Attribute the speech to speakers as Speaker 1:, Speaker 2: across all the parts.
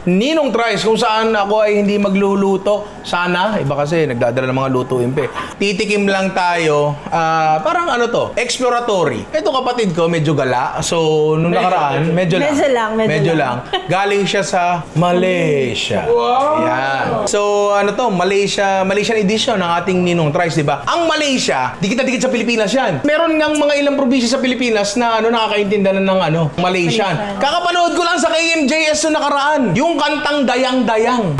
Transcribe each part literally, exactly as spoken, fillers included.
Speaker 1: Ninong Tries, kung saan ako ay hindi magluluto. Sana, iba kasi nagdadala ng mga lutuin pa eh. Titikim lang tayo, ah, parang ano to, exploratory. Ito kapatid ko, medyo gala. So, nung nakaraan, medyo lang.
Speaker 2: Medyo lang, medyo
Speaker 1: lang. Galing siya sa Malaysia.
Speaker 3: Wow!
Speaker 1: Yan. So, ano to, Malaysia, Malaysian edition ng ating Ninong Tries, di ba? Ang Malaysia, dikit-dikit sa Pilipinas yan. Meron ngang mga ilang probinsya sa Pilipinas na ano nakakaintindihan ng ano, Malaysian.
Speaker 2: Malaysian.
Speaker 1: Kakapanood ko lang sa K M J S yung nakaraan. Yung kantang Dayang-Dayang.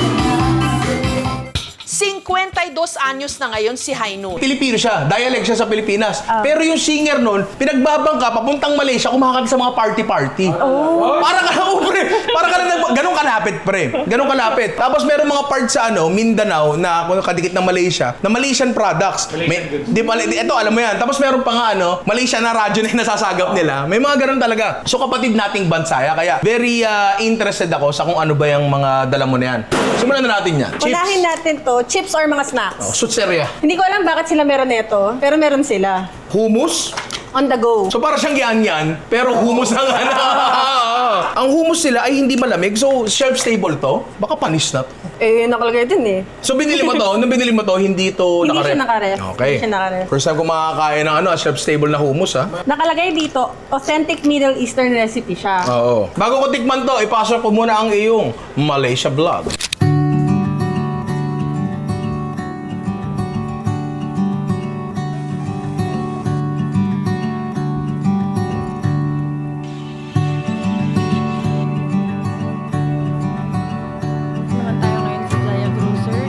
Speaker 4: fifty-two anyos na ngayon si Hainun.
Speaker 1: Pilipino siya, dialect siya sa Pilipinas.
Speaker 2: Ah.
Speaker 1: Pero yung singer nun, pinagbabangka papuntang Malaysia, kumakanta sa mga party-party.
Speaker 2: Oh.
Speaker 1: Para ka lang, oh, pre. Para ka lang, nag- ganun kalapit, pre. Ganun kalapit. Tapos meron mga parts sa ano, Mindanao, na kung kadikit ng Malaysia, na Malaysian products. May, di, Mal- ito, alam mo yan. Tapos meron pa nga, ano, Malaysia na radyo na yung nasasagap nila. May mga ganun talaga. So kapatid nating bansaya, kaya very uh, interested ako sa kung ano ba yung mga dala mo na yan. Simulan na natin yan.
Speaker 2: Unahin natin to, chips or mga snacks.
Speaker 1: Oh, Sutseria.
Speaker 2: Hindi ko alam bakit sila meron nito, pero meron sila.
Speaker 1: Hummus.
Speaker 2: On the go.
Speaker 1: So para siyang yan-yan, pero hummus ang ano. Ang hummus sila ay hindi malamig, so shelf-stable to. Baka panis na to.
Speaker 2: Eh, nakalagay din eh.
Speaker 1: So binili mo to, nung binili mo to, hindi to
Speaker 2: Hindi
Speaker 1: nakaref.
Speaker 2: siya nakaref.
Speaker 1: Okay.
Speaker 2: Hindi siya nakaref.
Speaker 1: First time ko makakain ng ano, shelf-stable na hummus, ha?
Speaker 2: Nakalagay dito, authentic Middle Eastern recipe siya.
Speaker 1: Oo. Bago ko tikman to, ipasok ko muna ang iyong Malaysia vlog.
Speaker 2: Naman tayo ngayon sa Jaya Grocer.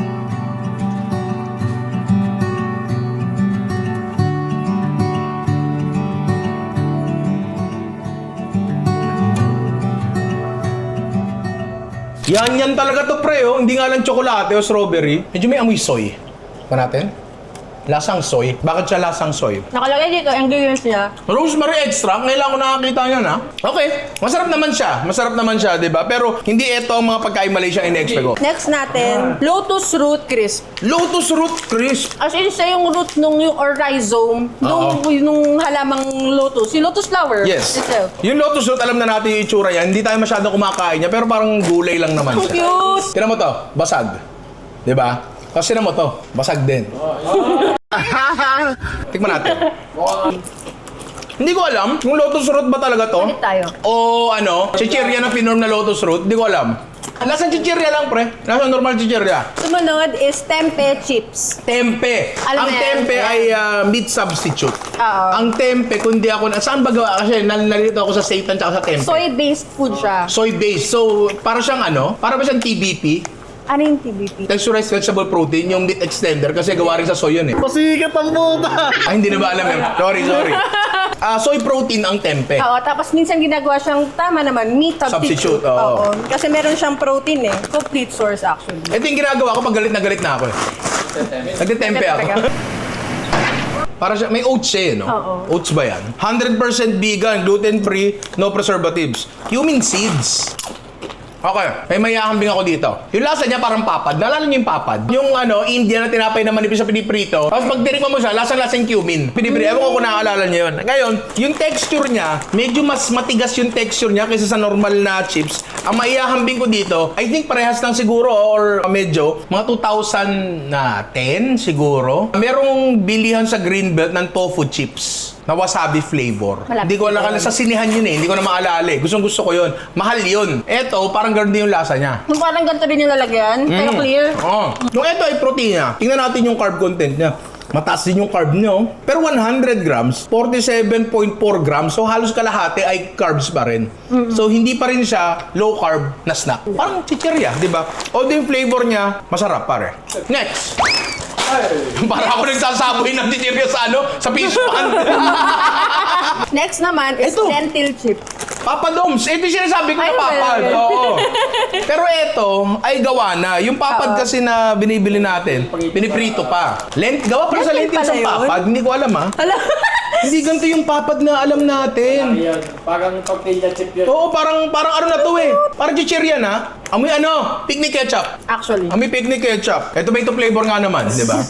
Speaker 1: Yan, yan talaga to, pre, oh. Hindi nga lang tsokolate o strawberry. Medyo may amoy soy. Pa natin? Lasang soy. Bakit siya lasang soy?
Speaker 2: Nakalagay dito, ingredients niya.
Speaker 1: Rosemary extract, ngayon lang ako nakakita niyan, ha? Okay, masarap naman siya. Masarap naman siya, di ba? Pero hindi ito ang mga pagkain Malaysia in-expect ko.
Speaker 2: Next natin, lotus root crisp.
Speaker 1: Lotus root crisp.
Speaker 2: As in, siya yung root nung yung or rhizome nung, nung halamang lotus. Yung lotus flower
Speaker 1: Yes.
Speaker 2: itself.
Speaker 1: Yung lotus root, alam na natin yung itsura yan. Hindi tayo masyadong kumakain niya, pero parang gulay lang naman
Speaker 2: Ang
Speaker 1: siya.
Speaker 2: cute!
Speaker 1: Tinan mo to, basag. Di ba? Kasi tinan mo to, basag din. Tikman natin. Hindi ko alam kung lotus root ba talaga to.
Speaker 2: Ulit tayo.
Speaker 1: O ano, chichirya na pinorm na lotus root. Hindi ko alam. Lasang chichirya lang, pre. Lasang normal chichirya.
Speaker 2: Sumunod is tempeh chips.
Speaker 1: Tempe.
Speaker 2: Alam
Speaker 1: ang
Speaker 2: mo yan,
Speaker 1: tempe
Speaker 2: yan.
Speaker 1: ay ah, meat substitute.
Speaker 2: Oo.
Speaker 1: Ang tempe, kundi ako na... Saan ba gawa? Kasi nal- nalito ako sa seitan tsaka sa tempe.
Speaker 2: Soy-based food siya.
Speaker 1: Soy based. So, para siyang ano? Para ba siyang T B P?
Speaker 2: Ano yung T B P?
Speaker 1: Texturized vegetable protein, yung meat extender kasi gawa rin sa soy yun eh.
Speaker 3: Pasikat ang buta!
Speaker 1: Ay, hindi na ba alam yun? Sorry, sorry. Ah, soy protein ang tempe.
Speaker 2: Oo, tapos minsan ginagawa siyang, tama naman, meat substitute.
Speaker 1: Substitute, oo.
Speaker 2: Kasi meron siyang protein eh. Complete source actually.
Speaker 1: Ito yung ginagawa ko pag galit na galit na ako eh. Nagtitempe ako.
Speaker 2: Teka, teka.
Speaker 1: Para siya, may oats siya eh, no?
Speaker 2: Oo.
Speaker 1: Oats ba yan? one hundred percent vegan, gluten-free, no preservatives. Cumin seeds. Okay, may mayahambing ako dito. Yung lasa niya parang papad. Naalala niyo yung papad? Yung ano, Indian na tinapay na manipis sa piniprito. Tapos pag tinikman mo siya, lasang-lasang cumin. Piniprito. Ewan ko kung naaalala niyo yun. Ngayon, yung texture niya, medyo mas matigas yung texture niya kaysa sa normal na chips. Ang maihahambing ko dito, I think parehas lang siguro or medyo, mga two thousand ten siguro. Merong bilihan sa Greenbelt ng tofu chips na wasabi flavor.
Speaker 2: Malapit
Speaker 1: Hindi ko alam
Speaker 2: yun.
Speaker 1: sa sinihan yun eh. Hindi ko na maalala eh. Gustong gusto ko yun. Mahal yun. Eto, parang ganun din yung lasa niya.
Speaker 2: Yung parang ganito rin yung lalagyan, pero
Speaker 1: Mm.
Speaker 2: clear.
Speaker 1: Oo. Yung eto ay protein niya. Tingnan natin yung carb content niya. Mataas din yung carb niya. Oh. Pero one hundred grams, forty-seven point four grams. So halos kalahati ay carbs pa rin. So hindi pa rin siya low carb na snack. Parang chichirya, di ba? Although yung flavor niya, masarap pare. Next. Para ako nagsasaboy ng chichirya sa ano? Sa fish pan.
Speaker 2: Next naman is
Speaker 1: Ito.
Speaker 2: lentil chip.
Speaker 1: Papa Doms, ito yung sinasabi ko na
Speaker 2: Ay,
Speaker 1: papad.
Speaker 2: well.
Speaker 1: Oo. Pero ito ay gawa na. Yung papad
Speaker 2: Oo.
Speaker 1: kasi na binibili natin, piniprito pa. Lent, gawa pa rin sa
Speaker 2: Lentil
Speaker 1: lentil sa
Speaker 2: pala yun?
Speaker 1: papad. Hindi ko alam ha.
Speaker 2: Hala.
Speaker 1: Hindi ganito yung papad na alam natin.
Speaker 3: Ayan, parang tortilla chip yun.
Speaker 1: Oo, parang parang ano na to eh. Parang chichirya na. Amoy ano? Picnic ketchup.
Speaker 2: Actually.
Speaker 1: Amoy picnic ketchup. Ito may ito flavor nga naman, di ba?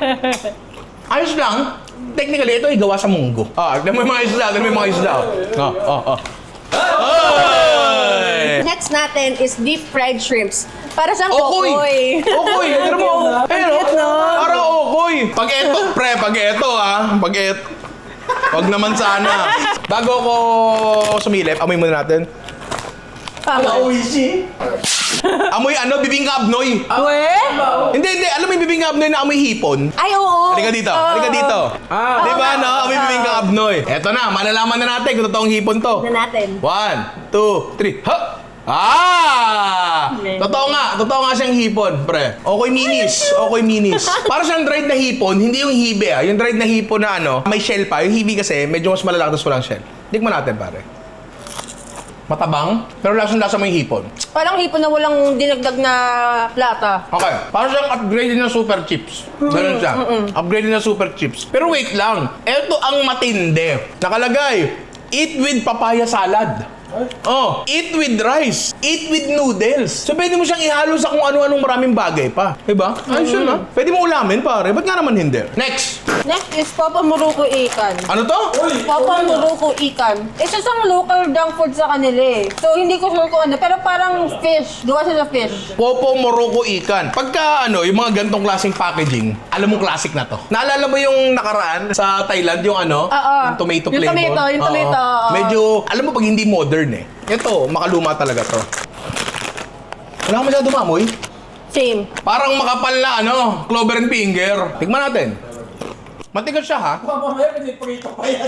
Speaker 1: Ayos lang. Technically, ito ay gawa sa munggo. Ah, tignan mo yung mga isla. Tignan mo yung mga isla. Oh, oh, oh. Ay!
Speaker 2: Next natin is deep fried shrimps. Para siyang
Speaker 1: Okoy!
Speaker 2: kokoy.
Speaker 1: Okoy! Ano mo? Ayun o.
Speaker 2: Cute, no?
Speaker 1: Parang okoy. Pag eto, pre, pag eto ah. Pag et... Pag naman sana. Bago ko sumilip, amoy muna natin.
Speaker 2: Tama.
Speaker 3: Oishi.
Speaker 1: Amoy ano, bibingka abnoy.
Speaker 2: We?
Speaker 1: Hindi, hindi. Alam mo yung bibingka abnoy na amoy hipon?
Speaker 2: Ay, oo.
Speaker 1: Halika dito,
Speaker 2: Oo.
Speaker 1: halika dito.
Speaker 3: Ah.
Speaker 1: Di ba, no? Amoy bibingka abnoy. Eto na, malalaman na natin kung totoong hipon to.
Speaker 2: Na natin.
Speaker 1: One, two, three, ha! Ah! Totoo nga, totoo nga siyang hipon, pre. Okay minis, okay minis. Para siyang dried na hipon, hindi yung hibe ah. Yung dried na hipon na ano, may shell pa. Yung hibe kasi, medyo mas malalaki tapos walang shell. Tikman natin, pare. Matabang, pero lasang-lasa mo yung hipon.
Speaker 2: Parang hipon na walang dinagdag na plata.
Speaker 1: Okay, para siyang upgraded na super chips. Ganun siya. Upgraded na super chips. Pero wait lang, eto ang matindi. Nakalagay, eat with papaya salad. Oh, eat with rice. Eat with noodles. So, pwede mo siyang ihalo sa kung ano-anong maraming bagay pa. Diba? Ayos yun, ha? Pwede mo ulamin, pare. Ba't nga naman hindi? Next!
Speaker 2: Next is Papa Muruko Ikan.
Speaker 1: Ano to?
Speaker 2: Papa Muruko Ikan. Isa siyang local junk food sa kanila eh. So, hindi ko sure kung ano. Pero parang fish. Gawa siya sa fish.
Speaker 1: Popo Morocco Ikan. Pagka ano, yung mga gantong klaseng packaging, alam mo classic na to. Naalala mo yung nakaraan sa Thailand, yung ano?
Speaker 2: Oo.
Speaker 1: Yung tomato
Speaker 2: Yung
Speaker 1: flavor?
Speaker 2: tomato, yung
Speaker 1: Oo.
Speaker 2: tomato, oo.
Speaker 1: Medyo, alam mo pag hindi modern eh. Ito, makaluma talaga to. Wala ka masyado mamoy.
Speaker 2: Same.
Speaker 1: Parang makapal na ano, clover and finger. Tignan natin. Matigas siya ha.
Speaker 3: Mamaya, piniprito pa yan.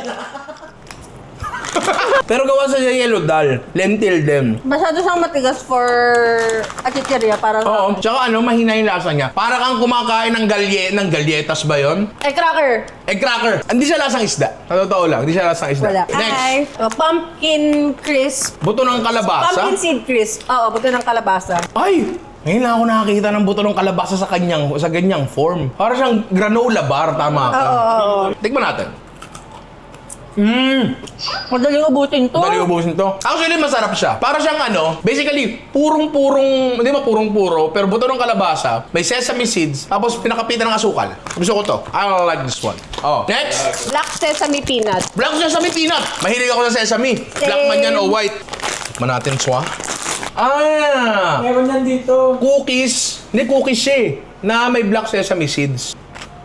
Speaker 1: Pero gawa sa yellow dal. Lentil din.
Speaker 2: Masyado siyang matigas for achicheria para sa...
Speaker 1: Oo. Tsaka ano, mahina yung lasa niya. Para kang kumakain ng galye, ng galyetas ba yon?
Speaker 2: Eh, cracker.
Speaker 1: Egg cracker. Hindi siya lasang isda. Sa totoo lang, hindi siya lasang isda.
Speaker 2: Wala.
Speaker 1: Next.
Speaker 2: Ay, oh, pumpkin crisp.
Speaker 1: Buto ng kalabasa.
Speaker 2: Pumpkin seed crisp. Oo, buto ng kalabasa.
Speaker 1: Ay! Ngayon lang ako nakakita ng buto ng kalabasa sa kanyang sa ganyang form. Para siyang granola bar, tama ka.
Speaker 2: Oo, oo, oo.
Speaker 1: Tikman natin. Mmm!
Speaker 2: Madaling ubusin to.
Speaker 1: Dali ubusin to. Actually, masarap siya. Para siyang ano, basically, purong-purong, hindi ba purong-puro, pero buto ng kalabasa, may sesame seeds, tapos pinakapitan ng asukal. Gusto ko to. I like this one. Oh. Next!
Speaker 2: Black sesame peanut.
Speaker 1: Black sesame peanut. Mahilig ako sa sesame. Black man yan o white. Tikman natin, swa. Ah!
Speaker 3: Meron yan dito.
Speaker 1: Cookies. Hindi cookies siya eh. Na may black sesame seeds.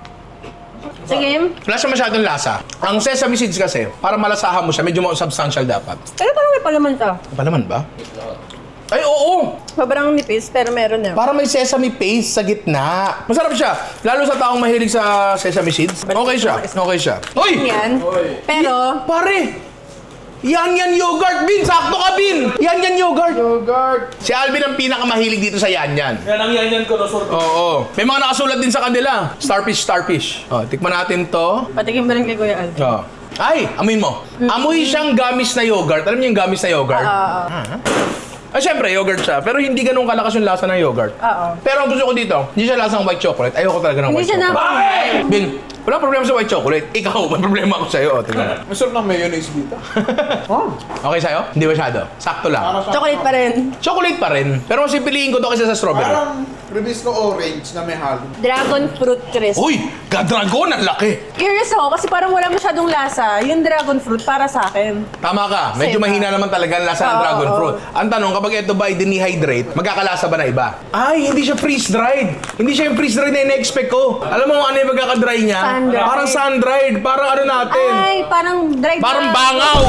Speaker 2: Sige.
Speaker 1: Wala siya masyadong lasa. Ang sesame seeds kasi, para malasahan mo siya, medyo mo substantial dapat.
Speaker 2: Pero parang may palaman to.
Speaker 1: Apa naman ba? Ay, oo!
Speaker 2: Sobrang nipis, pero meron na.
Speaker 1: Para may sesame paste sa gitna. Masarap siya. Lalo sa taong mahilig sa sesame seeds. Okay siya. Okay siya. Hoy!
Speaker 2: Yan. Pero,
Speaker 1: Pare! Yan yan yogurt, Bin! Sakto ka, Bin! Yan yan yogurt!
Speaker 3: Yogurt.
Speaker 1: Si Alvin ang pinakamahilig dito sa yan yan.
Speaker 3: Yan ang yan yan ko, no, sir.
Speaker 1: Oo. May mga nakasulat din sa kanila. Starfish, starfish. Oh, tikman natin to.
Speaker 2: patikim mo rin kay Kuya Al.
Speaker 1: Oh. Ay, amoy mo. Amoy siyang gamis na yogurt. Alam niyo yung gamis na yogurt?
Speaker 2: Oo.
Speaker 1: Ah, syempre, yogurt siya. Pero hindi ganun kalakas yung lasa ng yogurt.
Speaker 2: Oo.
Speaker 1: Pero ang gusto ko dito, hindi siya lasang white chocolate. Ayoko talaga ng
Speaker 2: Hindi
Speaker 1: white
Speaker 2: siya na...
Speaker 1: chocolate. Bin, wala problema sa white chocolate. Ikaw, may problema ako sa'yo. O, tingnan.
Speaker 3: Masarap ng mayonnaise dito.
Speaker 1: Okay sa'yo? Hindi masyado. Sakto lang.
Speaker 2: Chocolate pa rin.
Speaker 1: Chocolate pa rin. Pero mas pipiliin ko to kaysa sa strawberry.
Speaker 5: Parang release ko orange na may halo.
Speaker 2: Dragon fruit crisp.
Speaker 1: Uy! Gadragon! Ang laki!
Speaker 2: Curious ako kasi parang wala masyadong lasa. Yung dragon fruit para sa akin.
Speaker 1: Tama ka. Medyo
Speaker 2: Same.
Speaker 1: mahina naman talaga ang lasa ng
Speaker 2: Oo,
Speaker 1: dragon
Speaker 2: oo.
Speaker 1: fruit. Ang tanong, kapag ito ba ay dinihydrate, magkakalasa ba na iba? Ay, hindi siya freeze-dried. Hindi siya yung freeze-dried na in-expect ko. Alam mo kung ano yung magkakadry niya?
Speaker 2: Sun-dried.
Speaker 1: Parang sun-dried. Parang ano natin?
Speaker 2: Ay, parang dried
Speaker 1: Parang
Speaker 2: na-
Speaker 1: bangaw!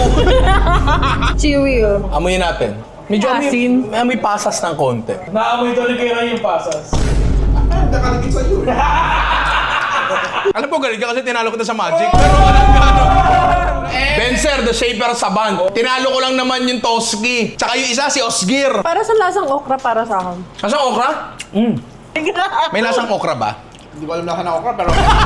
Speaker 2: Chewy oh.
Speaker 1: Amoy natin. Medyo amoy,
Speaker 2: Asin.
Speaker 1: may amoy pasas ng konti.
Speaker 3: Naamoy doon ni Kira yung pasas.
Speaker 5: Nakalagay sa iyo.
Speaker 1: Alam po, galing ka kasi tinalo ko na sa Magic. Pero walang gano. Benzer, the Shaper Saban. Tinalo ko lang naman yung Toski. Tsaka yung isa, si Osgir.
Speaker 2: Para sa lasang okra para sa akin.
Speaker 1: Lasang okra? Mm. May lasang okra ba?
Speaker 5: Hindi ko alam na kanako ka, pero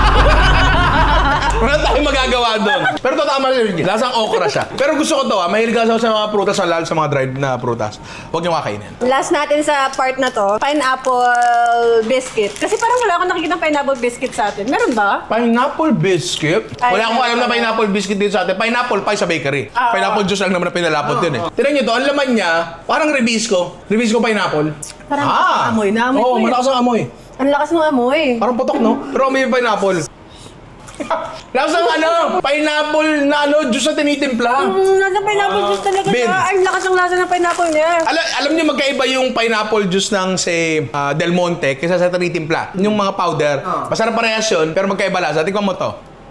Speaker 1: Wala tayong magagawa doon. Pero to tama rin. Lasang okra siya. Pero gusto ko to ah. Mahilig ako sa mga prutas, lalo sa mga dried na prutas. Huwag niyo kakainin.
Speaker 2: Last natin sa part na to, pineapple biscuit. Kasi parang wala akong nakikita pineapple biscuit sa atin. Meron ba?
Speaker 1: Pineapple biscuit?
Speaker 2: Ay,
Speaker 1: Wala akong alam na
Speaker 2: meron.
Speaker 1: pineapple biscuit dito sa atin. Pineapple pie sa bakery.
Speaker 2: Ah,
Speaker 1: Pineapple juice lang naman na pinalapot din eh. Tignan niyo to, ang laman niya, parang Rebisco. Rebisco pineapple.
Speaker 2: Parang malakas ang amoy. Naamoy
Speaker 1: Oo,
Speaker 2: ko eh.
Speaker 1: malakas ang amoy.
Speaker 2: Ang lakas ng amoy.
Speaker 1: Parang putok, no? Pero amoy yung pineapple. Lasang ano, pineapple na ano, juice na tinitimpla.
Speaker 2: Mm, nasa pineapple juice talaga
Speaker 1: Ben.
Speaker 2: siya. Ang lakas ng lasa ng pineapple niya.
Speaker 1: Alam, alam niyo magkaiba yung pineapple juice ng say ah, Del Monte kaysa sa tinitimpla. Yung mga powder, masarap parehas yun, pero magkaiba lasa. Tingnan mo to.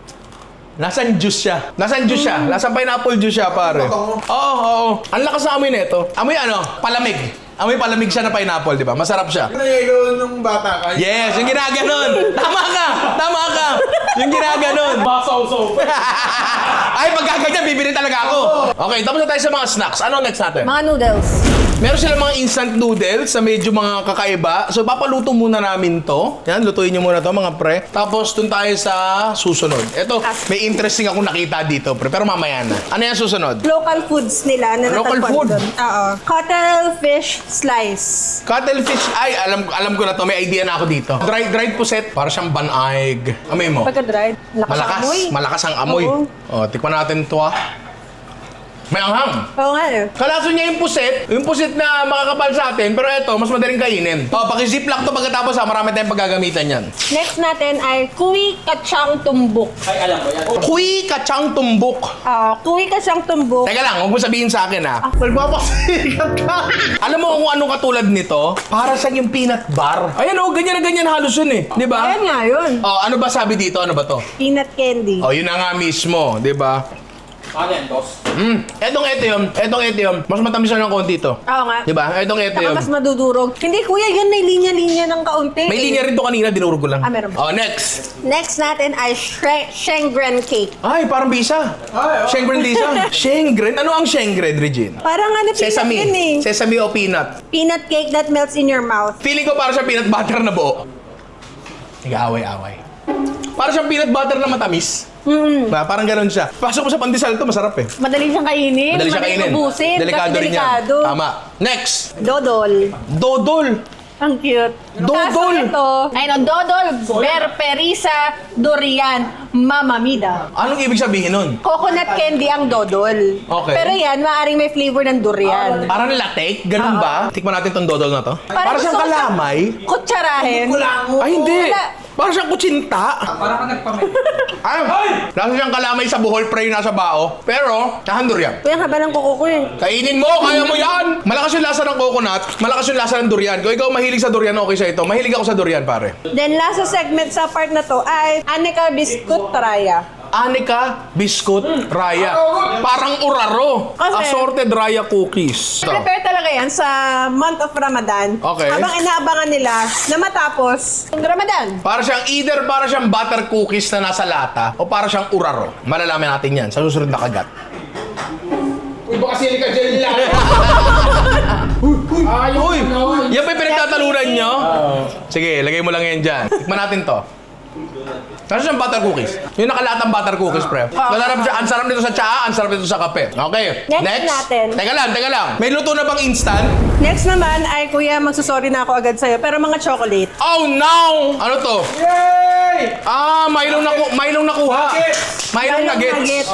Speaker 1: Lasang juice siya. Lasang juice siya. Lasang pineapple juice siya, pare. Oo, oo, oo. Ang lakas ng amoy nito. Amoy ano? Palamig. Amoy palamig siya na pineapple, di ba? Masarap siya.
Speaker 5: Nangyayon nung bata ka.
Speaker 1: Yes, yung ginaganon. Tama ka! Tama ka! Yung ginaganon.
Speaker 3: Masaw-saw.
Speaker 1: Ay, pag gaganyan, bibili talaga ako. Okay, tapos na tayo sa mga snacks. Ano next natin?
Speaker 2: Mga noodles.
Speaker 1: Meron silang mga instant noodles na medyo mga kakaiba. So, papaluto muna namin to. Yan, lutuin nyo muna to, mga pre. Tapos, dun tayo sa susunod. Ito, may interesting akong nakita dito, pre. Pero mamaya na. Ano yan susunod?
Speaker 2: Local foods nila na
Speaker 1: Local
Speaker 2: natagpuan
Speaker 1: food?
Speaker 2: doon. Oo. Cuttlefish slice.
Speaker 1: Cuttlefish. Ay, alam alam ko na to. May idea na ako dito. Dried, dried puset. Para siyang banaig. Amoy mo.
Speaker 2: Pagka-dried. Lakas ang
Speaker 1: Malakas.
Speaker 2: amoy.
Speaker 1: Malakas ang amoy.
Speaker 2: Oo.
Speaker 1: O, tikman natin to, ah. May anghang.
Speaker 2: Oo nga eh.
Speaker 1: Kalaso niya yung puset, yung puset na makakapal sa atin, pero eto, mas madaling kainin. O, paki-ziplock to pagkatapos ha, marami tayong paggagamitan yan.
Speaker 2: Next natin ay kuwi kachang tumbok.
Speaker 3: Ay, alam mo yan.
Speaker 1: Kuy kachang tumbok.
Speaker 2: Ah, kuwi kachang tumbok.
Speaker 1: Teka lang, huwag mo sabihin sa akin ha. Nagpapasikat ka. Alam mo kung anong katulad nito? Para siyang yung peanut bar. Ayan o, ganyan na ganyan halos yun eh. Di ba?
Speaker 2: Ayan nga yun.
Speaker 1: O, ano ba sabi dito? Ano ba to?
Speaker 2: Peanut candy.
Speaker 1: O, yun na nga mismo, di ba?
Speaker 3: Ano yan, boss?
Speaker 1: Mm, etong ito yun, etong ito yun. Mas matamis na ng konti to.
Speaker 2: Oo nga.
Speaker 1: Di ba? Etong ito
Speaker 2: Saka
Speaker 1: yun.
Speaker 2: mas madudurog. Hindi kuya, yun may linya-linya ng kaunti.
Speaker 1: May linya rin to kanina, dinurog ko lang.
Speaker 2: Ah, meron ba?
Speaker 1: Oh, next.
Speaker 2: Next natin ay shre- Shengren cake.
Speaker 1: Ay, parang bisa.
Speaker 5: Ay, oh.
Speaker 1: Shengren bisa. Shengren? Ano ang Shengren, Regine?
Speaker 2: Parang ano, peanut
Speaker 1: Sesame.
Speaker 2: yun eh.
Speaker 1: Sesame o peanut.
Speaker 2: Peanut cake that melts in your mouth.
Speaker 1: Feeling ko para siyang peanut butter na buo. Nag-aaway-away. Para siyang peanut butter na matamis.
Speaker 2: Mm.
Speaker 1: Ba, parang ganun siya. Pasok mo sa pandesal to, masarap eh.
Speaker 2: Madali siyang kainin.
Speaker 1: Madali siya kainin.
Speaker 2: ubusin.
Speaker 1: Delikado
Speaker 2: kasi
Speaker 1: rin yan.
Speaker 2: delikado.
Speaker 1: Tama. Next.
Speaker 2: Dodol.
Speaker 1: Dodol.
Speaker 2: Ang cute.
Speaker 1: Dodol.
Speaker 2: Kaso ito, ayun, dodol, berperisa, durian, mamamida.
Speaker 1: Anong ibig sabihin nun?
Speaker 2: Coconut candy ang dodol.
Speaker 1: Okay.
Speaker 2: Pero yan, maaaring may flavor ng durian.
Speaker 1: Parang latek? Ganun ba? Tikman natin tong dodol na to. Para
Speaker 2: gusto
Speaker 1: siyang
Speaker 2: ko
Speaker 1: kalamay.
Speaker 2: Kutsarahin.
Speaker 1: Ay, hindi.
Speaker 2: Wala.
Speaker 1: Para siyang kutsinta.
Speaker 3: Parang ka nagpamit.
Speaker 1: Ay! Nasa siyang kalamay sa buhol pre nasa bao. Pero, nahandor yan.
Speaker 2: Kuya, haba ng kuko ko eh.
Speaker 1: Kainin mo, kaya mo yan! Malakas yung lasa ng coconut, malakas yung lasa ng durian. Kung ikaw mahilig sa durian, okay sa ito. Mahilig ako sa durian, pare.
Speaker 2: Then, last sa segment sa part na to ay Aneka Biscuit Raya.
Speaker 1: Aneka Biscuit Raya. Parang uraro.
Speaker 2: Kasi-
Speaker 1: Assorted Raya cookies. Ito.
Speaker 2: Prepare talaga yan sa month of Ramadan.
Speaker 1: Okay.
Speaker 2: Habang inaabangan nila na matapos ang Ramadan.
Speaker 1: Para siyang either para siyang butter cookies na nasa lata o para siyang uraro. Malalaman natin yan sa susunod na kagat.
Speaker 5: Uy, baka sili ka dyan lang.
Speaker 1: Uy! Yan pa yung pinagtatalunan nyo? Sige, lagay mo lang yan dyan. Tikman natin to. Kasi siyang butter cookies. Yung nakalatang butter cookies, pre. Masarap siya. Ang sarap nito sa tsaa, ang sarap nito sa kape. Okay.
Speaker 2: Next natin.
Speaker 1: Teka lang, teka lang. May luto na bang instant?
Speaker 2: Next naman ay, kuya, magsusorry na ako agad sa'yo. Pero mga chocolate.
Speaker 1: Oh, no! Ano to?
Speaker 3: Yay!
Speaker 1: Ah, Milo na Milo nakuha. Milo nuggets.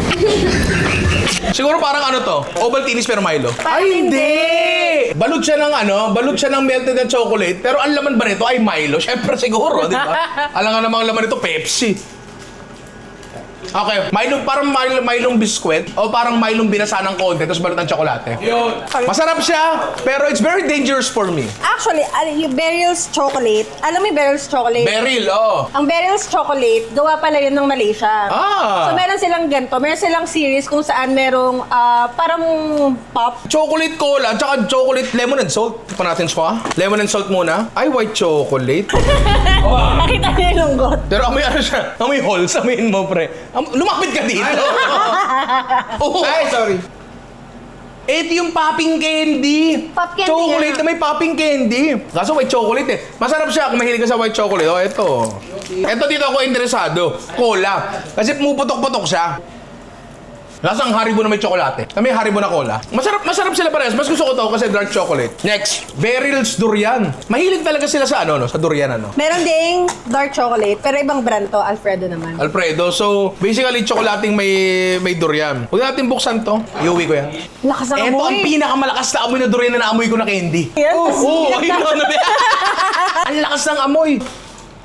Speaker 1: Siguro parang ano to? Ovaltinis pero Milo.
Speaker 2: Parang hindi.
Speaker 1: Balot siya ng ano, balot siya ng melted na chocolate, pero ang laman ba nito ay Milo? Syempre siguro, di ba? Alam nga namang laman nito, Pepsi. Okay, Milo, parang Milo, Milong biskwit o parang Milong binasa ng konti tapos balot ng tsokolate.
Speaker 3: Yun.
Speaker 1: Masarap siya, pero it's very dangerous for me.
Speaker 2: Actually, al- yung Beryl's chocolate, alam mo yung Beryl's chocolate?
Speaker 1: Beryl, oh.
Speaker 2: Ang Beryl's chocolate, gawa pala yun ng Malaysia.
Speaker 1: Ah.
Speaker 2: So meron silang ganito, meron silang series kung saan merong ah, parang pop.
Speaker 1: Chocolate cola, tsaka chocolate lemon and salt. Tikman natin siya. Lemon and salt muna. Ay, white chocolate.
Speaker 2: Nakita niyo yung lunggot.
Speaker 1: Pero amoy ano siya? Amoy holes, amoyin mo, pre. Am- lumapit ka dito. Oo.
Speaker 5: Ay, sorry.
Speaker 1: Ito yung popping candy.
Speaker 2: Pop candy
Speaker 1: Chocolate
Speaker 2: nga.
Speaker 1: na may popping candy. Kaso white chocolate eh. Masarap siya kung mahilig ka sa white chocolate. Oh, ito. Ito dito ako interesado. Cola. Kasi pumuputok-putok siya. Lasang Haribo na may tsokolate. Na may Haribo na cola. Masarap, masarap sila parehas. Mas gusto ko to kasi dark chocolate. Next, Beryl's Durian. Mahilig talaga sila sa ano, no? Sa durian ano.
Speaker 2: Meron ding dark chocolate, pero ibang brand to, Alfredo naman.
Speaker 1: Alfredo. So, basically, tsokolating may may durian. Huwag natin buksan to. Iuwi ko yan.
Speaker 2: Lakas ng
Speaker 1: Ito ang
Speaker 2: amoy.
Speaker 1: pinakamalakas na amoy na durian na naamoy ko na candy.
Speaker 2: Yan.
Speaker 1: Oo, oh, ito na. Ang lakas ng amoy.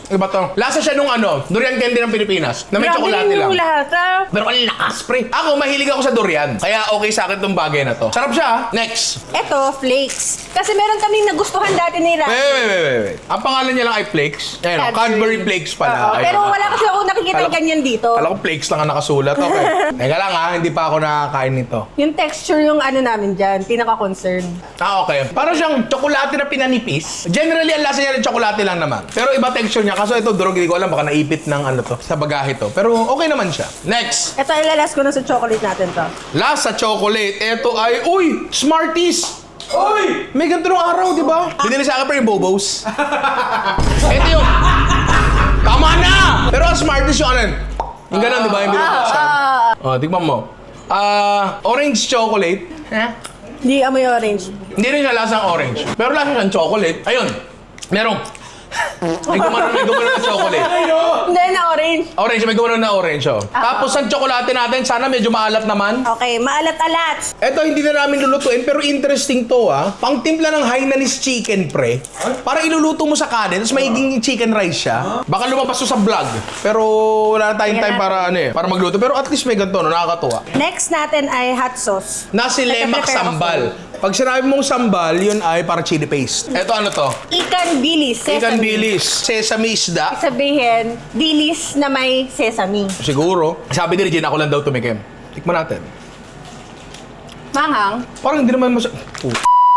Speaker 1: Iba to. Lasa siya nung ano, durian candy ng Pilipinas. Na may
Speaker 2: Grabe
Speaker 1: tsokolate
Speaker 2: yung
Speaker 1: lang.
Speaker 2: lahat, ah.
Speaker 1: Pero ang lakas, pre. Ako, mahilig ako sa durian. Kaya okay sa akin tong bagay na to. Sarap siya, ah. Next.
Speaker 2: Eto, flakes. Kasi meron kaming nagustuhan dati ni Randy.
Speaker 1: Wait, wait, wait, wait, wait. Ang pangalan niya lang ay Flakes. Ayun, oh, Cadbury Flakes pala.
Speaker 2: Oo,
Speaker 1: Ayun.
Speaker 2: pero wala kasi ako nakikita
Speaker 1: Kala ko-
Speaker 2: ganyan dito.
Speaker 1: Alam ko Flakes lang ang nakasulat. Okay. Teka lang ha, hindi pa ako nakakain nito.
Speaker 2: Yung texture yung ano namin dyan, pinaka-concern.
Speaker 1: Ah, okay. Parang siyang tsokolate na pinanipis. Generally, ang lasa niya rin tsokolate lang naman. Pero iba texture niya. Kaso ito, durog, hindi ko alam. Baka naipit ng ano to, sa bagahe to. Pero okay naman siya. Next.
Speaker 2: Ito, ilalas ko na sa chocolate natin to.
Speaker 1: Last sa chocolate. Ito ay, uy, Smarties!
Speaker 5: Uy!
Speaker 1: May ganito nung araw, di ba? Binili sa akin pa yung Bobos. Ito yung... Tama na! Pero ang Smarties yung ano yun. Yung ganun, di ba? Yung binibuksan. Oh, tignan mo. Ah, orange chocolate. Eh?
Speaker 2: Hindi amoy orange.
Speaker 1: Hindi rin siya lasang orange. Pero lasa siyang chocolate. Ayun. Merong... May gumano, may gumano na chocolate.
Speaker 2: Hindi na orange.
Speaker 1: Orange, may gumano na orange, oh. Tapos ang tsokolate natin, sana medyo maalat naman.
Speaker 2: Okay, maalat-alat.
Speaker 1: Eto, hindi na namin lulutuin, pero interesting to, ah. Pangtimpla ng Hainanese chicken, pre. Para iluluto mo sa kanin, tapos magiging chicken rice siya. Baka lumabas to sa vlog. Pero wala na tayong time para, ano eh, para magluto. Pero at least may ganito, no? Nakakatuwa.
Speaker 2: Next natin ay hot sauce.
Speaker 1: Nasi lemak
Speaker 2: Nagpe-prepare ako.
Speaker 1: sambal. Pag sinabi mong sambal, yun ay para chili paste. Eto, ano to?
Speaker 2: Ikan bilis, sesame.
Speaker 1: Ikan bilis. Sesame isda.
Speaker 2: Sabihin, bilis na may sesame.
Speaker 1: Siguro. Sabi ni Regine, ako lang daw tumikim. Tikman natin.
Speaker 2: Manghang.
Speaker 1: Parang hindi naman mas... Oh.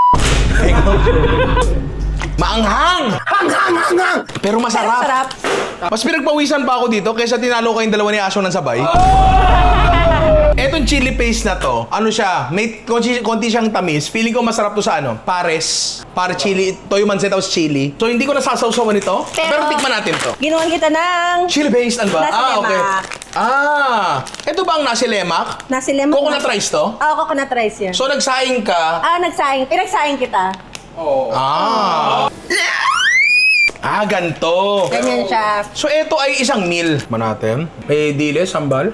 Speaker 1: Maanghang! Hang, hang, hang, hang! Pero masarap.
Speaker 2: Sarap.
Speaker 1: Mas pinagpawisan pa ako dito kaysa tinalo kayong dalawa ni Aso ng sabay. Etong chili paste na to, ano siya, may konti, konti siyang tamis. Feeling ko masarap to sa ano, pares. Pare chili, toyo manset tapos chili. So hindi ko nasasawsawan ito. Pero,
Speaker 2: Pero-
Speaker 1: tikman natin to.
Speaker 2: Ginawan kita ng
Speaker 1: Chili paste, ano ba?
Speaker 2: Nasi
Speaker 1: ah, okay.
Speaker 2: lemak.
Speaker 1: Ah, ito ba ang nasi lemak?
Speaker 2: nasi lemak.
Speaker 1: Coconut rice to?
Speaker 2: Oo, coconut rice yan.
Speaker 1: So nagsaing ka.
Speaker 2: ah, nagsaing. Pinagsaing kita.
Speaker 3: Oo.
Speaker 1: Ah. Ah, ganto.
Speaker 2: Ganyan siya.
Speaker 1: So ito ay isang meal. Man natin. May dilis, sambal.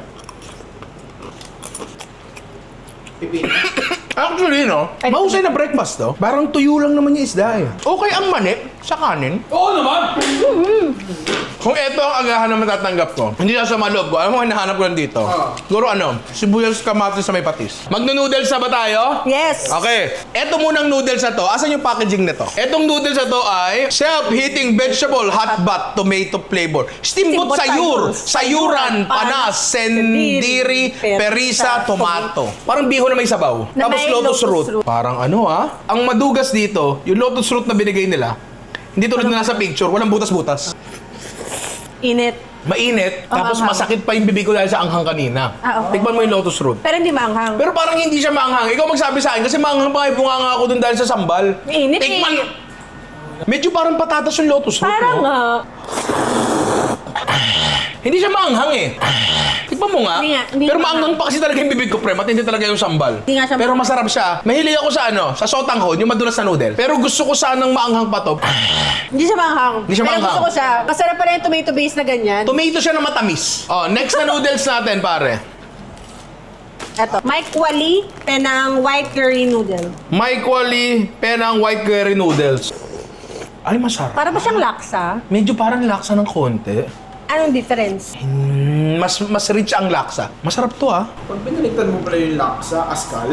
Speaker 1: Actually, no? Mahusay na breakfast to. Parang tuyo lang naman yung isda eh. Okay ang mani sa kanin.
Speaker 3: Oo naman!
Speaker 1: Kung ito ang agahan na matatanggap ko, hindi na sa maloob ko. Alam mo, hinahanap ko lang dito. Siguro ano, sibuyas kamatis sa may patis. Magno-noodles na ba tayo?
Speaker 2: Yes.
Speaker 1: Okay. Eto munang noodles na to. Asan yung packaging nito? Etong noodles na to ay self-heating vegetable hot bath tomato flavor. Steamboat
Speaker 2: Steamboat
Speaker 1: sayur,
Speaker 2: sayur,
Speaker 1: sayuran, panas, sendiri, perisa, tomato. Parang biho na may sabaw.
Speaker 2: Na
Speaker 1: Tapos
Speaker 2: may
Speaker 1: lotus,
Speaker 2: lotus
Speaker 1: root.
Speaker 2: root.
Speaker 1: Parang ano ah. Ang madugas dito, yung lotus root na binigay nila, hindi tulad na nasa picture, walang butas-butas.
Speaker 2: Init.
Speaker 1: Mainit,
Speaker 2: Ang
Speaker 1: tapos
Speaker 2: anghang.
Speaker 1: masakit pa yung bibig ko dahil sa anghang kanina.
Speaker 2: Ah, okay.
Speaker 1: Tikman mo yung lotus root.
Speaker 2: Pero hindi maanghang.
Speaker 1: Pero parang hindi siya maanghang. Ikaw magsabi sa akin kasi maanghang pa kayo bunganga ako dun dahil sa sambal.
Speaker 2: Mainit eh.
Speaker 1: Tikman. Medyo parang patatas yung lotus root,
Speaker 2: Parang
Speaker 1: no?
Speaker 2: nga.
Speaker 1: Hindi siya maanghang eh. Tikman mo nga.
Speaker 2: Hindi nga, hindi
Speaker 1: Pero
Speaker 2: maanghang.
Speaker 1: maanghang pa kasi talaga yung bibig ko, pre. Matindi talaga yung sambal.
Speaker 2: Hindi nga siya
Speaker 1: Pero
Speaker 2: maanghang.
Speaker 1: masarap siya. Mahilig ako sa ano, sa sotanghon, yung madulas na noodle. Pero gusto ko sanang maanghang pa to.
Speaker 2: Hindi siya maanghang.
Speaker 1: Hindi siya
Speaker 2: Pero
Speaker 1: maanghang.
Speaker 2: gusto ko siya. Masarap pa rin yung tomato base na ganyan.
Speaker 1: Tomato siya na matamis. Oh, next na noodles natin, pare.
Speaker 2: Eto. Mike Wally, penang white curry noodle.
Speaker 1: Mike Wally, penang white curry noodles. Ay, masarap.
Speaker 2: Para ba siyang laksa?
Speaker 1: Medyo parang laksa ng konti.
Speaker 2: Anong difference?
Speaker 1: Mm, mas mas rich ang laksa. Masarap to ah.
Speaker 5: Pag binaliktad mo pala yung laksa, askal.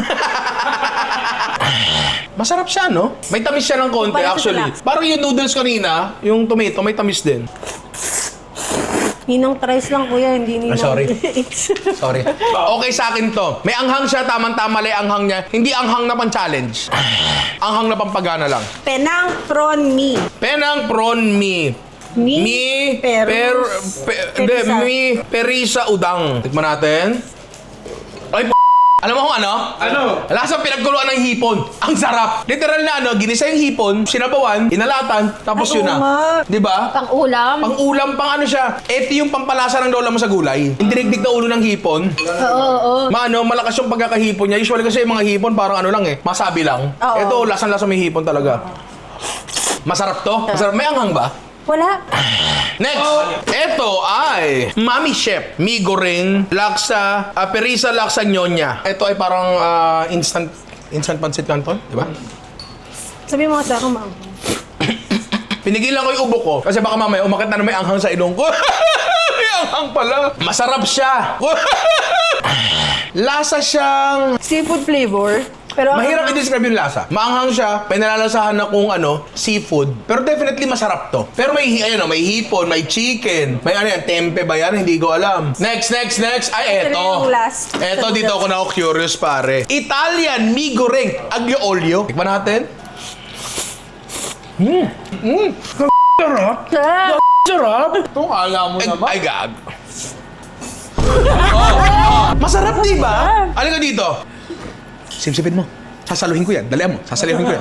Speaker 1: Masarap siya, no? May tamis siya ng konti
Speaker 2: Kumpara sa
Speaker 1: actually.
Speaker 2: laksa.
Speaker 1: Parang yung noodles kanina, yung tomato, may tamis din.
Speaker 2: Ninong tries lang kuya, hindi ninong...
Speaker 1: Ah, sorry. Sorry. Okay sa akin to. May anghang siya, tamang-tama lang yung anghang niya. Hindi anghang na pang-challenge. Anghang na pampagana lang.
Speaker 2: Penang prawn mee.
Speaker 1: Penang prawn mee.
Speaker 2: Mi,
Speaker 1: Mi,
Speaker 2: perus,
Speaker 1: per, pe, hindi,
Speaker 2: perisa.
Speaker 1: mi, perisa udang. Tikman natin. Ay, p***. Alam mo kung ano?
Speaker 5: Ano?
Speaker 1: Lasang pinagkuluan ng hipon. Ang sarap. Literal na ano, ginisa yung hipon, sinabawan, inalatan, tapos
Speaker 2: Ay,
Speaker 1: yun
Speaker 2: oo
Speaker 1: na.
Speaker 2: nga.
Speaker 1: Di ba?
Speaker 2: Pang-ulam.
Speaker 1: Pang ulam, pang ano siya. Ito yung pampalasa ng lola mo sa gulay. Yung dinigdig na ulo ng hipon.
Speaker 2: Oo, oo, oo.
Speaker 1: Maano, malakas yung pagkakahipon niya. Usually kasi yung mga hipon parang ano lang eh, masabi lang.
Speaker 2: Oo.
Speaker 1: Ito, lasang-lasa may hipon talaga. Masarap to. Masarap. May anghang ba?
Speaker 2: Wala.
Speaker 1: Next, ito ay Mami Chef, mi goreng, laksa, uh, perisa laksa nyonya. Ito ay parang ah, instant instant pancit canton, di ba?
Speaker 2: Sabi mo nga sa akin, maanghang.
Speaker 1: Pinigilan ko yung ubo ko kasi baka mamaya umakit na na may anghang sa ilong ko. May anghang pala. Masarap siya. Lasa siyang...
Speaker 2: Seafood flavor. Pero ang-
Speaker 1: Mahirap i-describe yung lasa. Maanghang siya, pinalalasahan na kung ano, seafood. Pero definitely masarap to. Pero may, ayun, oh, may hipon, may chicken, may ano yan, tempe ba yan? Hindi ko alam. Next, next, next. Ay,
Speaker 2: Ito
Speaker 1: eto.
Speaker 2: yung last.
Speaker 1: Eto, dito ako na ako curious, pare. Italian mi goreng aglio olio. Tikman natin. Mmm. Mmm. Sarap.
Speaker 2: Sarap.
Speaker 1: Sarap.
Speaker 3: Ito, kala mo
Speaker 1: Ay,
Speaker 3: naman.
Speaker 1: ay gag. Oh. Masarap, di ba? Alin ka dito. Sipsipin mo. Sasaluhin ko yan. Dalihan mo. Sasaluhin ko yan.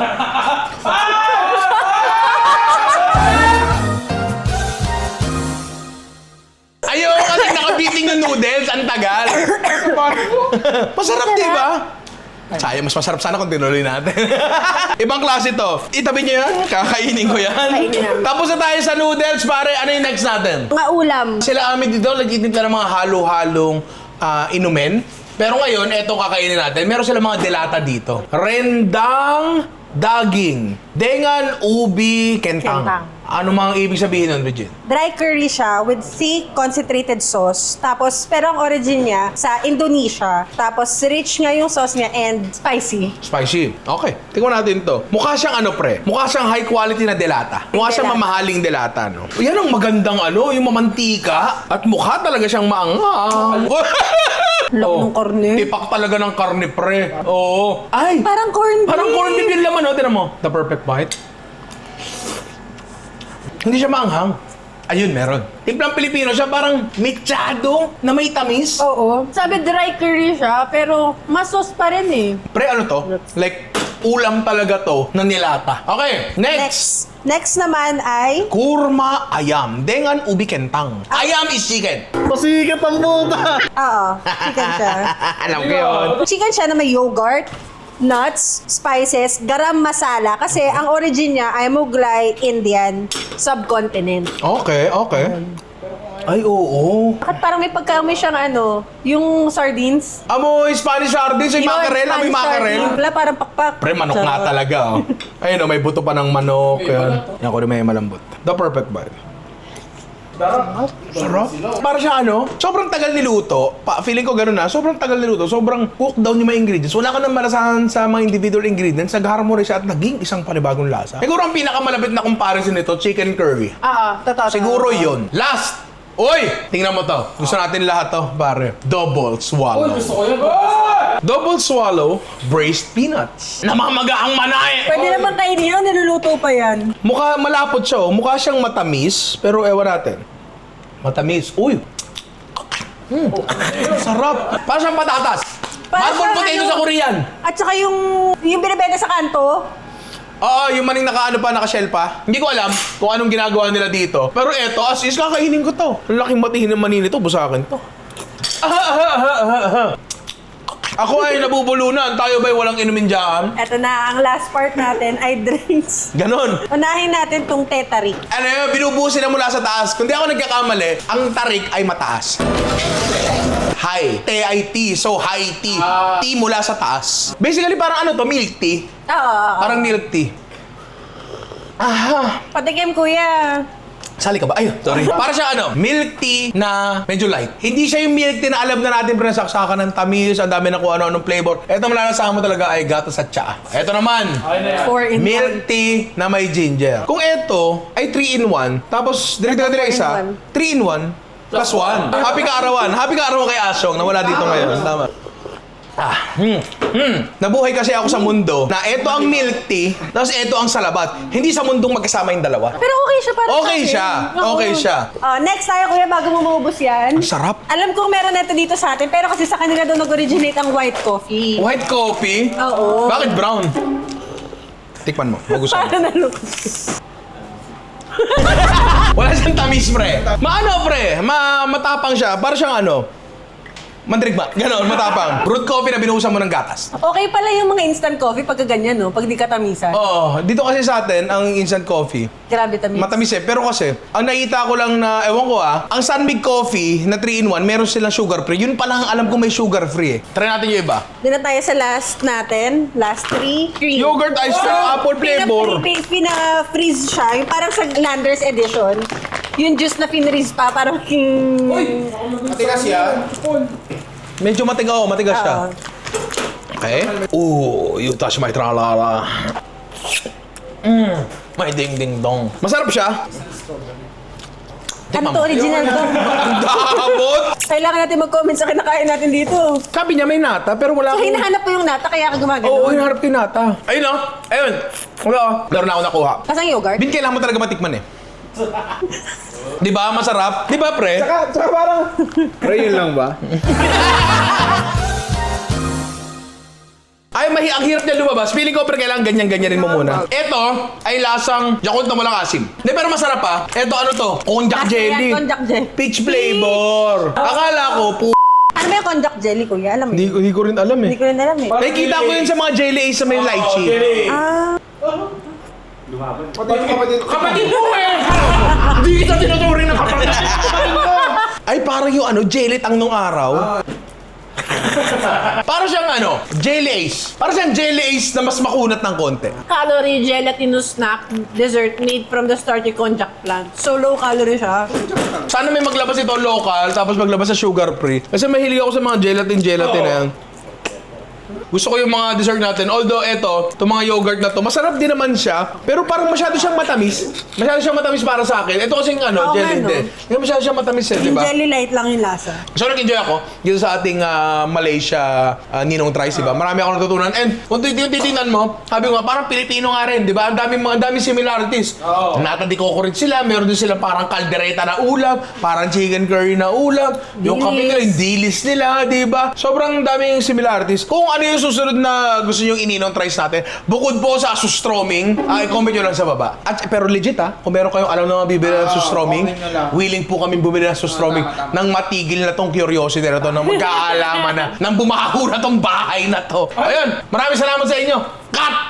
Speaker 1: Ayaw kasi nakabiting yung noodles. Ang tagal. Masarap, di ba? Sayang, mas masarap sana kung tinuloy natin. Ibang klase to. Itabi niyo yan. Kakainin ko yan.
Speaker 2: Kainin namin.
Speaker 1: Tapos na tayo sa noodles, pare. Ano yung next natin?
Speaker 2: Mga ulam.
Speaker 1: Sila amin dito, nagtitimpla ng mga halo-halong ah, inumin. Pero ngayon, eto kakainin natin. Meron sila mga delata dito. Rendang daging. Dengan, ubi, kentang.
Speaker 2: Kentang.
Speaker 1: Ano mga ibig sabihin nun, Regine?
Speaker 2: Dry curry siya with thick concentrated sauce. Tapos, pero ang origin niya sa Indonesia. Tapos, rich nga yung sauce niya and spicy.
Speaker 1: Spicy. Okay. Tingnan natin to. Mukha siyang ano, pre? Mukha siyang high quality na delata. Mukha siyang
Speaker 2: Delata.
Speaker 1: mamahaling delata, no? Yan ang magandang ano, yung mamantika. At mukha talaga siyang maanghang.
Speaker 2: Laki ng karne.
Speaker 1: Tipak talaga ng karne, pre. Oo. Ay!
Speaker 2: Parang corned beef.
Speaker 1: Parang corned beef yung laman, no? Tinan mo. The perfect bite. Hindi siya maanghang. Ayun, meron. Timplang Pilipino siya, parang mechado na may tamis.
Speaker 2: Oo. Sabi dry curry siya, pero mas sauce pa rin eh.
Speaker 1: Pre, ano to? Like, ulam talaga to na nilata. Okay, next.
Speaker 2: Next. Next naman ay
Speaker 1: Kurma ayam. Dengan ubi kentang. Ayam is chicken.
Speaker 5: Pasikat ang puta!
Speaker 2: Oo, chicken siya.
Speaker 1: Alam ko yun.
Speaker 2: Chicken siya na may yogurt, nuts, spices, garam masala. Kasi ang origin niya ay Mughlai Indian subcontinent.
Speaker 1: Okay, okay. Ay, oo.
Speaker 2: Bakit parang may pagkaamoy siyang ano, yung sardines?
Speaker 1: Amoy Spanish sardines, yung mackerel, amoy
Speaker 2: Spanish
Speaker 1: mackerel.
Speaker 2: sardines. Wala, parang pakpak.
Speaker 1: Pre, manok nga talaga, oh. Ayun, oh, may buto pa ng manok. Yan. Yan ko rin may malambot. The perfect bite. Sarap. Para siya ano, sobrang tagal niluto. Pa, feeling ko gano'n na, sobrang tagal niluto. Sobrang cook down yung mga ingredients. Wala ka nang malasahan sa mga individual ingredients. Nag-harmonize siya at naging isang panibagong lasa. Siguro ang pinakamalapit na comparison nito, chicken curry.
Speaker 2: Oo, totoo.
Speaker 1: Siguro yon. Last! Uy! Tingnan mo to. Gusto natin lahat to, pare. Double swallow.
Speaker 3: Uy, gusto ko yun.
Speaker 1: Double swallow, braised peanuts. Namamaga ang manay!
Speaker 2: Pwede naman kainin yun, niluluto pa yan.
Speaker 1: Mukha malapot siya, oh. Mukha siyang matamis, pero ewan natin. Matamis. Uy! Mm. Sarap! Parang siyang patatas.
Speaker 2: Parang
Speaker 1: Marble
Speaker 2: siyang
Speaker 1: potato
Speaker 2: ano-
Speaker 1: sa Korean.
Speaker 2: At saka yung, yung binibenta sa kanto,
Speaker 1: Oo, yung maning nakaano pa, nakashell pa. Hindi ko alam kung anong ginagawa nila dito. Pero eto, as is, kakainin ko to. Ang laking matihin ng manin nito, busakin to. Ah, ah, ah, ah, ah, ah. Ako ay nabubulunan. Tayo ba'y walang inumin dyan?
Speaker 2: eto na, ang last part natin ay drinks.
Speaker 1: Ganon.
Speaker 2: Unahin natin tong tetarik.
Speaker 1: Ano yun, binubusin na mula sa taas. Kung di ako nagkakamali, ang tarik ay mataas. High. T I T. So, high tea. Tea mula sa taas. Basically, parang ano to, milk tea.
Speaker 2: Oo, oo, oo.
Speaker 1: Parang milk tea. Aha.
Speaker 2: Patikim, kuya.
Speaker 1: Sali ka ba? Ayun, sorry. Para siya ano, milk tea na medyo light. Hindi siya yung milk tea na alam na natin pero nasaksakan ng tamis, ang dami na kung ano-anong flavor. Ito malalasahan mo talaga ay gatas at tsaa. Ito naman,
Speaker 2: Four in one.
Speaker 1: milk tea na may ginger. Kung ito ay three in one, tapos direkta
Speaker 2: Ito,
Speaker 1: dire
Speaker 2: four in
Speaker 1: isa,
Speaker 2: one.
Speaker 1: three in one plus one. Happy kaarawan. Happy kaarawan kay Asyong na wala dito ngayon. Tama. Ah, hmm, hmm. Nabuhay kasi ako sa mundo na ito ang milk tea, tapos ito ang salabat. Hindi sa mundong magkasama yung dalawa.
Speaker 2: Pero okay siya para
Speaker 1: Okay
Speaker 2: sa akin.
Speaker 1: siya.
Speaker 2: Oo.
Speaker 1: Okay siya.
Speaker 2: Oh, next tayo, kuya, bago mo maubos yan.
Speaker 1: Ang sarap.
Speaker 2: Alam kong meron nito dito sa atin, pero kasi sa kanila doon nag-originate ang white coffee.
Speaker 1: White coffee?
Speaker 2: Oo.
Speaker 1: Bakit brown? Tikman mo. Magustuhan mo.
Speaker 2: Para nalukot.
Speaker 1: Wala siyang tamis, pre. Maano, pre? Ma matapang siya. Para siyang ano? Mandirigma. Ganon, matapang. Brewed coffee na binuhusan mo ng gatas.
Speaker 2: Okay pala yung mga instant coffee pagka ganyan, no? Pag di katamisan.
Speaker 1: Oo, dito kasi sa atin, ang instant coffee,
Speaker 2: Grabe tamis.
Speaker 1: matamis eh. Pero kasi, ang nakita ko lang na, ewan ko ah, ang Sunmig Coffee na three in one, meron silang sugar free. Yun pala ang alam ko may sugar free eh. Try natin yung iba.
Speaker 2: Doon na tayo sa last natin. Last three. Cream.
Speaker 1: Yogurt ice cream, apple flavor.
Speaker 2: Pina- Pina-freeze siya. Yung parang sa Landers edition. Yung juice na finreeze pa. Parang king...
Speaker 1: Matigas yan. Medyo matigas, oh, matigas siya.
Speaker 2: Oo.
Speaker 1: Okay. Ooh, you touch my tralala. Mmm, may ding ding dong. Masarap siya.
Speaker 2: Ano to? Original to.
Speaker 1: Ang damot!
Speaker 2: Kailangan natin mag-comment sa kinakain natin dito.
Speaker 1: Sabi niya may nata, pero wala
Speaker 2: So,
Speaker 1: akong...
Speaker 2: hinahanap ko yung nata, kaya ka gumagano.
Speaker 1: Oo, hinahanap ko yung nata. Ayun oh, ayun. Wala oh. Meron na ako nakuha.
Speaker 2: Kasang yogurt?
Speaker 1: Bin, kailangan mo talaga matikman eh. Di ba? Masarap. Di ba, pre?
Speaker 5: Tsaka, tsaka parang... Pre, yun lang ba?
Speaker 1: Ay, mahi ang hirap niya lumabas. Feeling ko, pre, kailangan ganyan-ganyan rin mo muna. Ito ay lasang Yakult na walang asim. Di, pero masarap pa. Ito, ano to? Konjac
Speaker 2: Kasi
Speaker 1: jelly.
Speaker 2: yan, konjac jelly.
Speaker 1: Peach flavor. Akala ko, pu...
Speaker 2: Ano ba yung konjac jelly, kuya? Alam mo?
Speaker 1: Hindi,
Speaker 2: yun?
Speaker 1: hindi ko rin alam
Speaker 2: Hindi
Speaker 1: eh.
Speaker 2: ko rin alam eh.
Speaker 1: Nakikita ko yun sa mga jelly ace sa may lychee.
Speaker 2: Ah,
Speaker 1: Kapatid mo eh! Hindi kita tinuturing na kapatid. Ay, parang yung ano, jelly tang nung araw. Parang siyang ano, jelly ace. Parang siyang jelly ace na mas makunat ng konti.
Speaker 2: calorie gelatinous snack dessert made from the starchy konjac plant. So low calorie siya.
Speaker 1: Sana may maglabas ito local, tapos maglabas sa sugar free. Kasi mahilig ako sa mga gelatin-gelatin na yan. Gusto ko yung mga dessert natin. Although ito, itong mga yogurt na to, masarap din naman siya. Pero parang masyado siyang matamis. Masyado siyang matamis para sa akin. Ito kasing ano,
Speaker 2: Oo nga,
Speaker 1: jelly
Speaker 2: no?
Speaker 1: din. Hindi masyado siyang matamis eh, di
Speaker 2: Yung
Speaker 1: ba?
Speaker 2: jelly light lang yung lasa.
Speaker 1: So nag-enjoy ako dito sa ating ah, Malaysia ah, Ninong Tries, di ba? Marami ako natutunan. And kung titingnan mo, sabi ko nga, parang Pilipino nga rin, di ba? Ang daming mga daming similarities.
Speaker 3: Oo.
Speaker 1: Natadiko ko rin sila. Meron din sila parang kaldereta na ulam, parang chicken curry na ulam, yung
Speaker 2: Dilis.
Speaker 1: kape nila, yung dilis nila, di ba? Sobrang daming similarities. Kung ano yung susunod na gusto nyo Ninong Tries natin, bukod po sa sustroming, ay comment nyo lang sa baba. At pero legit ha, kung meron kayong alam na mabibili ng
Speaker 3: Oo,
Speaker 1: sustroming,
Speaker 3: comment nyo lang.
Speaker 1: willing po kami bumili ng sustroming
Speaker 3: tama, tama.
Speaker 1: nang matigil na tong curiosity na to, nang magkaalaman na, nang bumaho na tong bahay na to. Ayun, maraming salamat sa inyo. Cut!